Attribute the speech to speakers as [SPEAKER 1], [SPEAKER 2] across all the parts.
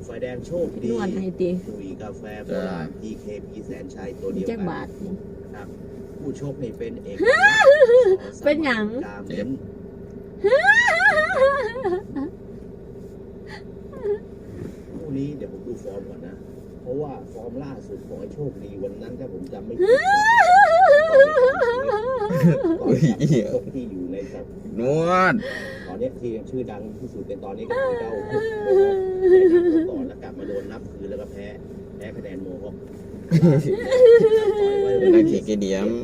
[SPEAKER 1] ฝ่ายแดงโชคดี
[SPEAKER 2] นวดให้ตี
[SPEAKER 1] คุยกาแฟโบราณ PKP แสนชัยตัวเดียว
[SPEAKER 2] แจ็ค
[SPEAKER 1] กัน
[SPEAKER 2] บาทนี่
[SPEAKER 1] นะครับผู้ชกนี่เป็นเอก
[SPEAKER 2] เป็นหยัง
[SPEAKER 1] กาเม้นคู่นี้เดี๋ยวผมดูฟอร์มก่อนนะ เพราะว่าฟอร์มล่าสุดของไอ้โชคดีวันนั้นถ้าผมจำไม่ผิดตอนชกที่อยู่ในสัป
[SPEAKER 3] นวด
[SPEAKER 1] ตอนนี้ที่ชื่อดังที่สุดในตอนนี้ก็คือเจ้าก่อนแล้วกลับมาโดนนับคืนแล้วก็แพ้คะแนนโมฮอค
[SPEAKER 3] นักเกเดียม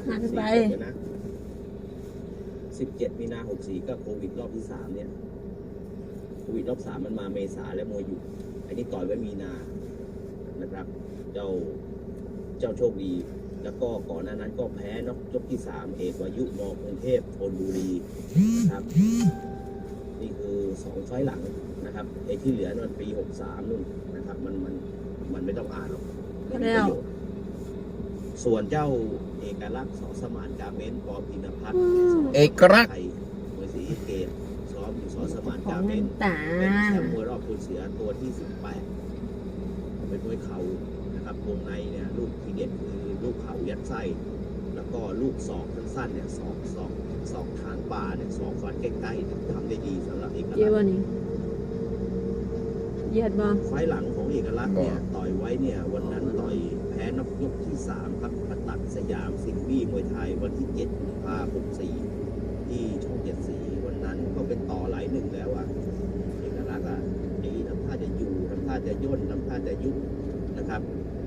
[SPEAKER 1] 17 มีนา 64 ก็โควิดรอบที่ 3 เนี่ยโควิดรอบ 3 มันมาเมษาและมวยหยุดอันนี้ต่อยไว้มีนานะครับเจ้าโชคดีแล้วก็ก่อนหน้านั้นก็แพ้น็อกยกที่ 3 เอกวายุมกรุงเทพธนบุรีครับนี่คือ2ไฟล์หลังนะครับไอ้ที่เหลือนั่นปี 63 นู่นนะครับมันไม่ต้องอ่านหรอกมันมีประโยชน์ส่วนเจ้าเอกลักษณ์สอสมานกาเมนปอพินพัฒน์
[SPEAKER 3] เอกลักษณ์
[SPEAKER 1] ไทยมวยศรีเกตซ้อมอยู่สอสมาน
[SPEAKER 2] ของ
[SPEAKER 1] กาเม
[SPEAKER 2] เงิ
[SPEAKER 1] น
[SPEAKER 2] นตา
[SPEAKER 1] เป็นแชมป์มวยรอบคุณเสือตัวที่ 18เป็นมวยเข่านะครับวงในเนี่ยลูกทีเด็ดคือลูกเข่ายัดไส้แล้วก็ลูกศอกสั้นๆเนี่ยศอกทางป่าเนี่ยศอกฟันใกล้ๆเนี่ยทำได้ดีสำหรับเอกลัก
[SPEAKER 2] เยอะ
[SPEAKER 1] ษ
[SPEAKER 2] บ่
[SPEAKER 1] ณ์
[SPEAKER 2] นี่เยียดบ่
[SPEAKER 1] ไฟล์หลังของเอกลักษณ์เนี่ยต่อยไว้เนี่ยวันนั้นต่อยแพ้น็อกยกที่ 3 ครับปตัดสยามสิงห์บี้มวยไทยวันที่ 7 กุมภาพันธ์ 64 ที่ช่อง7 สีวันนั้นก็เป็นต่อหลายหนึ่งแล้วอ่ะเอกลักษณ์อ่ะไอ้ทำท่าจะอยู่ทำท่าจะย่นทำท่าจะยุบนะครับ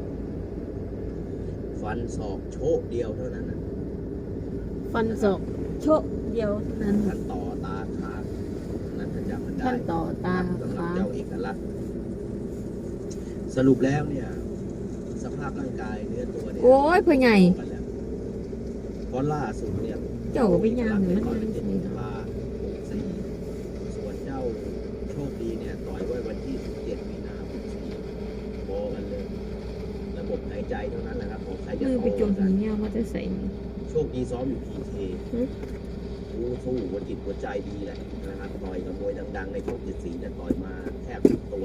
[SPEAKER 1] ฟันศอกโชคเดียวเท่านั้นนะ
[SPEAKER 2] ฟันศอกโชะเดียวเท่านั้น
[SPEAKER 1] ท่านต่อตาขาดนั้นถ้าจำมันได้
[SPEAKER 2] ท่านต่อตา
[SPEAKER 1] สำหรับ
[SPEAKER 2] ขา
[SPEAKER 1] เจ้าเอกลักษณ์สรุปแล้วเนี่ยสภาพร่างกายเนื้อตัวเนี่ย
[SPEAKER 2] โอ้ยพ่อใหญ่
[SPEAKER 1] เพราะล่าสุดเนี่ย
[SPEAKER 2] เจ้าก็ไปย่างเห็นมัน
[SPEAKER 1] ต่อย
[SPEAKER 2] ยัง
[SPEAKER 1] เป็น
[SPEAKER 2] ไง
[SPEAKER 1] ตุลา64ส่วนเจ้าโชคดีเนี่ยต่อยไว้วันที่ 17 มีนาคม64โบกันเลย ระบบหายใจเท่านั้นแหละครับของใครจะ
[SPEAKER 2] มือ
[SPEAKER 1] โต
[SPEAKER 2] ไปจม
[SPEAKER 1] กั
[SPEAKER 2] หี
[SPEAKER 1] น
[SPEAKER 2] เนี่ยมันจะใส่นี่
[SPEAKER 1] โชคดีซ้อมอยู่พีเคสู้หัวจิตหัวใจดีแหละนะครับต่อยกับมวยดังๆในช่อง7 สีเนี่ยต่อยมาแทบทุกตัว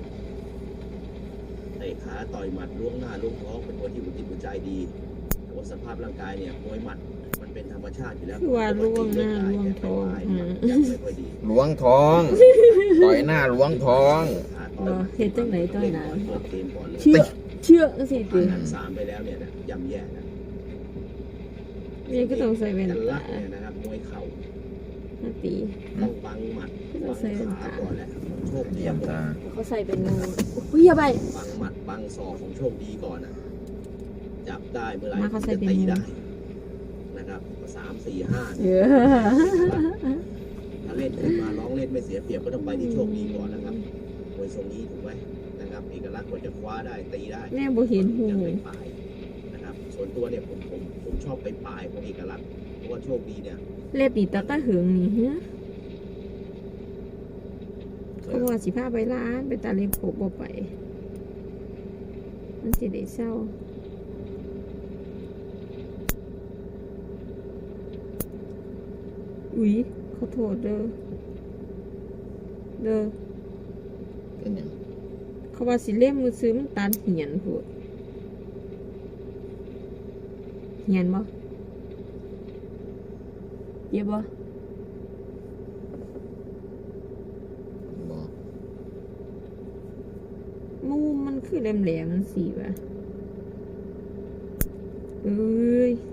[SPEAKER 1] เตะขาต่อยหมัดล้วงหน้าล้วงท้องเป็นมวยที่หัวจิตหัวใจดีแต่ว่าสภาพร่างกายเนี่ยมวยหมัดมันเป็นธรรมชาติอยู่แล้ว
[SPEAKER 2] คือว่าล่วงหน้าล่วงท้อง
[SPEAKER 1] ยังไม่ค่อยดี
[SPEAKER 3] ล้วงท้อง ต่อยหน้าล้วงท้อง
[SPEAKER 2] เฮ็ดจังไหนต่อยหน้า
[SPEAKER 1] เปิดเกมก่อนเลย
[SPEAKER 2] เชื่อสิ
[SPEAKER 1] ผ่า
[SPEAKER 2] ติ
[SPEAKER 1] นนัด3ไปแล้วเนี่ยนะย่ำแย่นะ
[SPEAKER 2] นี่ก็ต้องใส่แว่น
[SPEAKER 1] กันลั
[SPEAKER 2] ตาก
[SPEAKER 1] เนี่ยนะครับมวยเข่า
[SPEAKER 2] มาตี
[SPEAKER 1] ต้องบังหมัดบังขาก่อนแหละโชคดี
[SPEAKER 3] เยี่ยมตา
[SPEAKER 2] เขาใส่เป็นงูอุ้ยอย่าไป
[SPEAKER 1] บังหมัดบังศอกของโชคดีก่อนนะจับได้เมื่อไหร่
[SPEAKER 2] มาเขาใส่
[SPEAKER 1] จะ
[SPEAKER 2] เป็น
[SPEAKER 1] ตี
[SPEAKER 2] งู
[SPEAKER 1] ได้นะครับ3 4 5
[SPEAKER 2] เยอะ
[SPEAKER 1] ถ้าเล่นขึ้นมาร้องเล่นไม่เสียเปรียบก็ต้องไปที่โชคดีก่อนนะครับมวยทรงนี้ถูกไหมนะครับเอกลักษณ์กว่าจะคว้าได้ตีได้
[SPEAKER 2] แม่บ่เห็นหู
[SPEAKER 1] ยังไปปลายนะครับส่วนตัวเนี่ยผมชอบไปปลายของเอกลักษณ์เพราะว่าโชคดีเนี่ย
[SPEAKER 2] เล็บนี่ตาตาหึงนี่เฮ้ยเขาว่าสิพาไปร้านไปตาเล็บผมบ่ไป มันสิได้เศร้าอุ๊ยขอโทษเด้อ
[SPEAKER 3] เป็นหยัง
[SPEAKER 2] เขาว่าสิเล่มมือซื้อมันตานเหียนพูดเหียนบ่เย็บบ่
[SPEAKER 3] บอก
[SPEAKER 2] มุมมันคือแหลมๆมันสีว่ะเอ้ย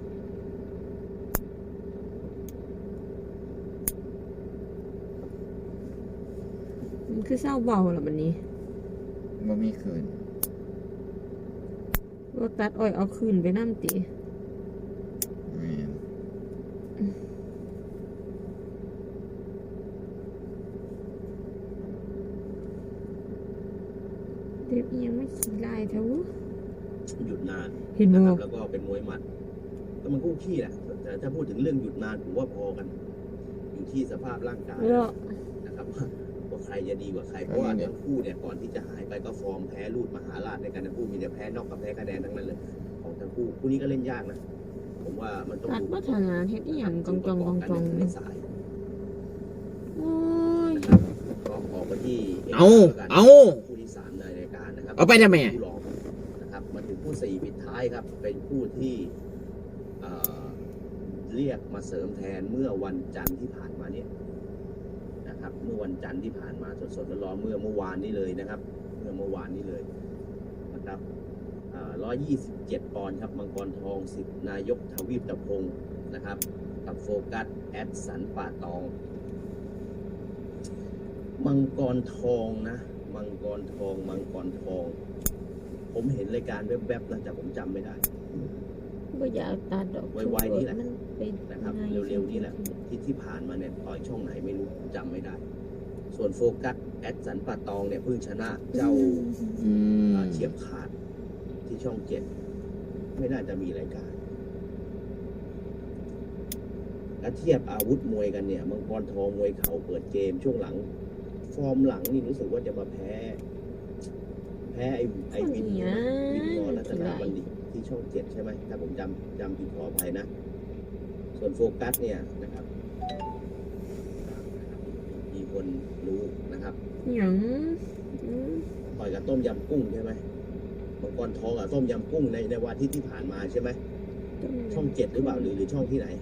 [SPEAKER 2] มันคือเศร้าเบาล่ะบัดนี้
[SPEAKER 3] บ่มีคืน
[SPEAKER 2] รถตัดอ้อยเอาคืนไปน้ำตี
[SPEAKER 3] แม่น
[SPEAKER 2] เด็บอีหยังไม่ขี้ลายเท่า
[SPEAKER 1] หยุดนาน
[SPEAKER 2] เห็น
[SPEAKER 1] นะ
[SPEAKER 2] บ่
[SPEAKER 1] ครับแล้วก็เป็นมวยหมัดก็มันคู่ขี้แหละแต่ถ้าพูดถึงเรื่องหยุดนานผมว่าพอกัน อยู่ที่สภาพร่างกาย
[SPEAKER 2] แล้ว
[SPEAKER 1] นะครับว่าใครจะดีกว่าใครเพราะว่าทั้งคู่เนี่ยก่อนที่จะหายไปก็ฟอร์มแพ้รูดมหาราชในการทั้งคู่มีแต่แพ้นอกกับแพ้คะแนนทั้งนั้นเลยของทั้งคู่คู่นี้ก็เล่นยากนะผมว่ามันต้อง
[SPEAKER 2] ตัด
[SPEAKER 1] ดู
[SPEAKER 2] วัฒนาเฮ็ดอีหยังกองจอง
[SPEAKER 1] ใน
[SPEAKER 2] นี่
[SPEAKER 1] สาย
[SPEAKER 2] โอ้ย
[SPEAKER 1] นะครับก็ออกมาที่เอก
[SPEAKER 3] เอาเอา
[SPEAKER 1] คู่ที่3ในรายการนะครับ
[SPEAKER 3] เอาไปทำไม
[SPEAKER 1] คู่รองนะครับมาถึงคู่4ปิดท้ายครับ เป็นคู่ที่เอ่อเรียกมาเสริมแทนเมื่อวันจันทร์ที่ผ่านมาเนี่ยนะครับเมื่อวันจันทร์ที่ผ่านมาสดๆร้อนๆเมื่อวานนี้เลยนะครับเมื่อวานนี้เลยนะครับ127 ปอนด์ครับมังกรทองสิทธิ์นายกทวีปตะพงศ์นะครับกับโฟกัสแอดสันป่าตองมังกรทองนะมังกรทองผมเห็นรายการแวบๆนะแต่ผมจำไม่ได้
[SPEAKER 2] ก็อยากตัดดอก
[SPEAKER 1] ไวๆนี่แหละ
[SPEAKER 2] มันเป็น
[SPEAKER 1] นะครับเร็วๆนี่แหละที่ผ่านมาเนี่ยต่อยช่องไหนไม่รู้จำไม่ได้ ส่วนโฟกัสแอดสันป่าตองเนี่ยเพิ่งชนะเจ้า
[SPEAKER 3] อืม
[SPEAKER 1] เฉียบขาดที่ช่อง7ไม่น่าจะมีรายการและเทียบอาวุธมวยกันเนี่ยมังกรทองมวยเข่าเปิดเกมช่วงหลัง ฟอร์มหลังนี่รู้สึกว่าจะมาแพ้ไอ้วินมอรัตนาบัณฑิตที่ช่อง7ใช่ไหมถ้าผมจำผิดขออภัยนะ ส่วนโฟกัสเนี่ยนะครับมีคนรู้นะครับ
[SPEAKER 2] หยัง
[SPEAKER 1] ต่อยกับต้มยำกุ้งใช่ไหมมังกรทองกับต้มยำกุ้งในวันอาทิตย์ที่ผ่านมาใช่ไหมช่อง7หรือเปล่าหรือช่องที่ไหน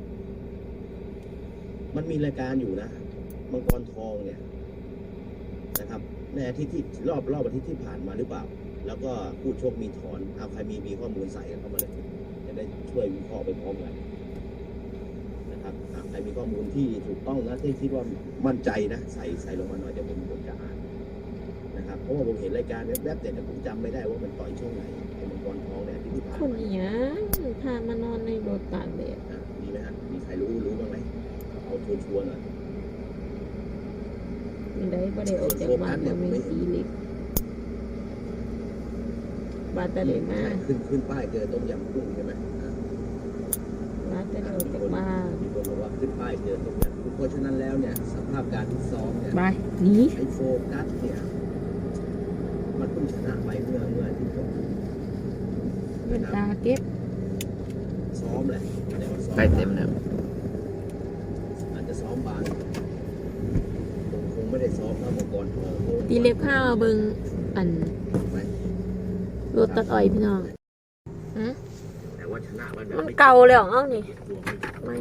[SPEAKER 1] มันมีรายการอยู่นะมังกรทองเนี่ยนะครับในอาทิตย์ที่รอบอาทิตย์ที่ผ่านมาหรือเปล่า แล้วก็ผู้ชกมีถอนเอาใครมีข้อมูลใส่เข้ามาเลยจะได้ช่วยวิเคราะห์ไปพร้อมกันนะครับใครมีข้อมูลที่ถูกต้องนะที่คิดว่ามั่นใจนะใส่ลงมาหน่อยเดี๋ยวผมจะอ่านนะครับเพราะว่าผมเห็นรายการแวบๆแต่ผมจำไม่ได้ว่ามันต่อยช่วงไหนไอ้มังกรทองเนี่ยที่ผ่าน
[SPEAKER 2] คน
[SPEAKER 1] มา
[SPEAKER 2] หยังพามานอนในรถตากแดด
[SPEAKER 1] มีไหมฮะมีใครรู้บ้างไหมเอาชัวร์ๆหน่อย
[SPEAKER 2] มีได้บ่ได้ออกจากบ้านมาไม่ตีเล็กบาดแต่เด็กมา
[SPEAKER 1] ใช่ขึ้นป้ายเจอต้มยำกุ้งใช่ไหม
[SPEAKER 2] บาดแต่เด็กออกจากบ้าน
[SPEAKER 1] มีคนบอกว่าขึ้นป้ายเจอต้มยำกุ้งเพราะฉะนั้นแล้วเนี่ยสภาพการที่ซ้อมเนี่ย
[SPEAKER 2] ไปหนี
[SPEAKER 1] ไอโฟกัสเนี่ยมันเพิ่งชนะไปเมื่อที่ก่อน
[SPEAKER 2] เป็นตาเก็บ
[SPEAKER 1] ซ้อมแหละแต่ว่าซ้อม
[SPEAKER 3] ใกล้เต็มแล้ว
[SPEAKER 1] อาจจะซ้อมบางคงไม่ได้ซ้อมนะมังกรทองเพราะว่า
[SPEAKER 2] ตีเล็กผ้าเบิ่งอัน
[SPEAKER 1] ไหม
[SPEAKER 2] รถตัดอ้อยพี่น้องฮะ
[SPEAKER 1] แต่ว่าชนะมันแบบ
[SPEAKER 2] มัน
[SPEAKER 1] ไม่
[SPEAKER 2] เก่าแล้วเอ้านี่ไม่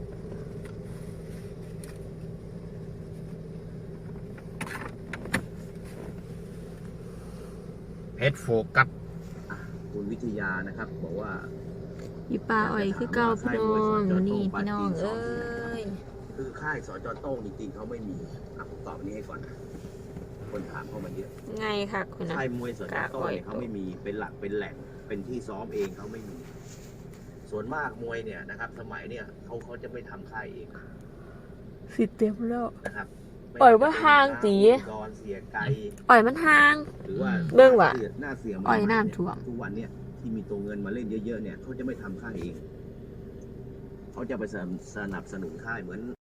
[SPEAKER 3] เพชรโฟกัส
[SPEAKER 1] คุณวิทยานะครับบอกว่า
[SPEAKER 2] อีปลาอ้อยคือเก่าพี่น้องนี่พี่น้องเอ้ย
[SPEAKER 1] คือค่ายสจโต้งจริงๆเขาไม่มีผมตอบนี้ให้ก่อนนะคนถามเข้ามาเยอะ
[SPEAKER 2] ไงค่ะคุณนะ
[SPEAKER 1] ค่ายมวยสจโต้งเนี่ยเขาไม่มีเป็นหลักเป็นแหล่งเป็นที่ซ้อมเองเขาไม่มี ส่วนมากมวยเนี่ยนะครับ สมัยเนี่ยเขาจะไม่ทำค่ายเอง
[SPEAKER 2] สิเต็มแล้ว
[SPEAKER 1] นะครับ
[SPEAKER 2] ปล่อยว่าห่างตี
[SPEAKER 1] ดอนเสียไกล
[SPEAKER 2] อ้อยมันห่าง
[SPEAKER 1] หรือว่า
[SPEAKER 2] เบิ่งว่ะ
[SPEAKER 1] หน้าเสีย
[SPEAKER 2] อ้อยน้ำท่วม
[SPEAKER 1] ทุกวันเนี่ยที่มีตัวเงินมาเล่นเยอะๆเนี่ยเขาจะไม่ทำค่ายเองเขาจะไปสนับสนุนค่ายเหมือน